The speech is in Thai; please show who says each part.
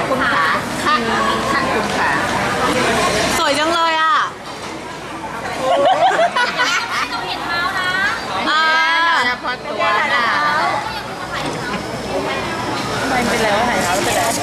Speaker 1: คุณขาค่ะคุณขา
Speaker 2: สวยจังเลยอ่ะ
Speaker 1: ต้องเห็นเท้านะเฉพาะตัวน่ะ
Speaker 2: ทำไมเป็นแล้วหายเท้าเป็นแล้ว